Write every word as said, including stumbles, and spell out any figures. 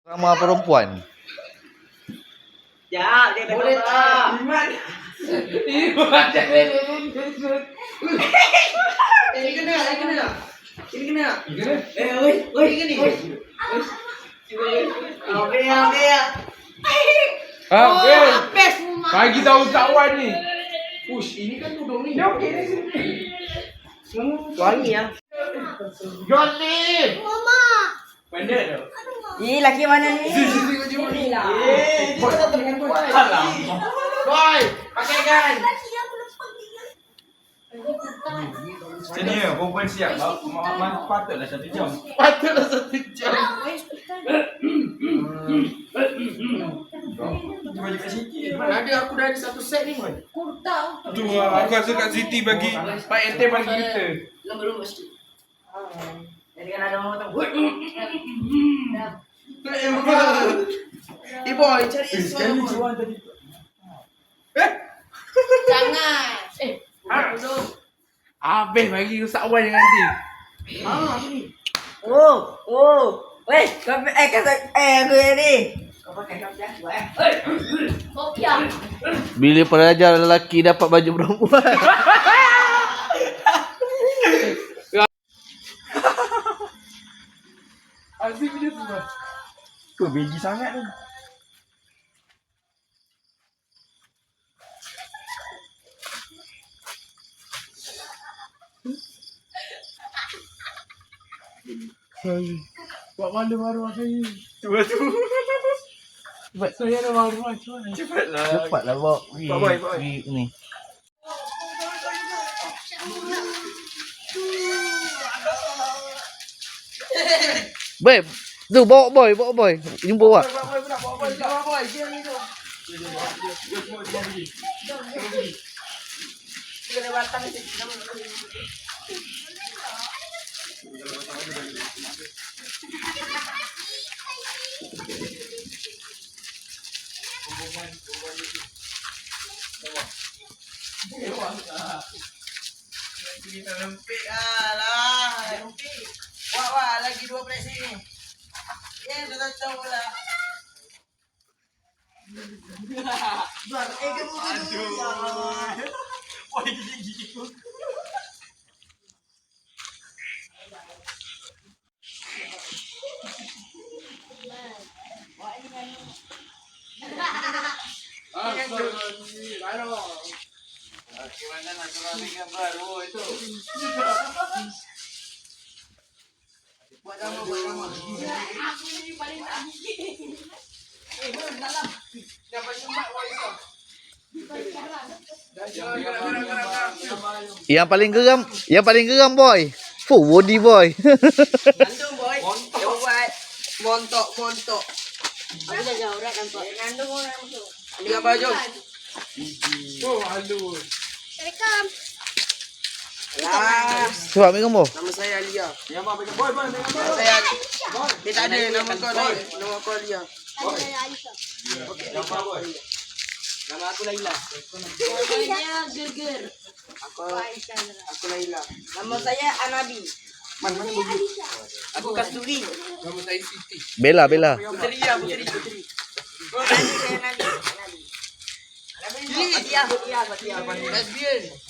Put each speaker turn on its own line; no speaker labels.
Ramah perempuan.
Ya, dia boleh tak?
Iman. Iman jangan lulus.
Ini kena, ini kena. Ini kena.
Ini kena.
Eh, oi, oi, ini ni. Ambil, ambil.
Ah, eh.
Best.
Bagi tahu kawan ni.
Push, ini kan tudung ni.
Dia okey ni sini.
Wangi ya.
Jolly.
Mama.
Pendek tu.
Ni laki mana ni?
Ni lah.
Eh,
Boy.
kita tak dengan boy.
Alam. Boy, pakai kan. Sini ya, perempuan siap. Mak patutlah satu jam. Patutlah satu jam. Cuba je kat Siti. Mana ada aku dah ada satu set ni.
Kurta.
Tu aku rasa kat Siti bagi Pak Ente bagi kita.
Lembut-lembut sikit. Jadi kan ada orang tahu. Eh boy, cari
Sekali
sesuatu.
jual tadi. Eh,
Jangan. Eh.
habis bagi rusak wan dengan nanti.
Ah, ni. Oh, oh. Weh, kau eh kata eh aku ni. Kau pakai kau dah buat eh.
Kopiah.
Bila pelajar lelaki dapat baju perempuan.
Asyik dia tu. Tu begi sangat tu. Buat malu maruah saya. Cuba tu.
Cepat.
Saya ada maruah cuba. Cepatlah.
Cepatlah bawa pergi.
Bawa, bawa, bawa.
Pergi ni. Babe, tu bawa boy, bawa boy. Jumpa awak.
Bawa boy pula, bawa boy pula. Bawa boy, dia ni tu.
Kita ada batang ni. Kita lempik ah lah, lempik. Wah wah lagi dua belas sini. Eh dah tak tahu lah. Buat eh kamu aduh. Wah gigi gigi.
Ah, sorry. Baru.
Gimana nak keluarin gambar? Oh itu. Buat nama, buat nama.
Aku ni paling tak gigi.
Eh, belum dalam. Dapat sempat wah itu.
Yang paling geram, yang paling geram boy. Full body boy.
Ngandung boy. Montok. Dia buat montok, montok.
Aku dah jauh dah kan Pak.
Ngandung orang tu. Ambil gambar jom.
Oh, halu.
Rekam.
Lah.
Sebab ambil gambar.
Nama saya Alia.
Yang apa pegang boy, boy, pegang boy.
Nama saya Dia tak ada nama kau ni. Nama kau Alia.
Saya Aisyah.
Okey,
Gambar boy.
nama aku Laila.
Saya Gerger.
Aku
Aisyah.
aku Laila. Nama saya Anabi. Man mana bagi? Aku Kasturi.
Nama saya Siti.
Bella, Bella.
Puteri ya, puteri, puteri. Oh, Nadi saya Nadi. Nadi. Nadi. Fatia, Fatia, Fatia. Lesbian.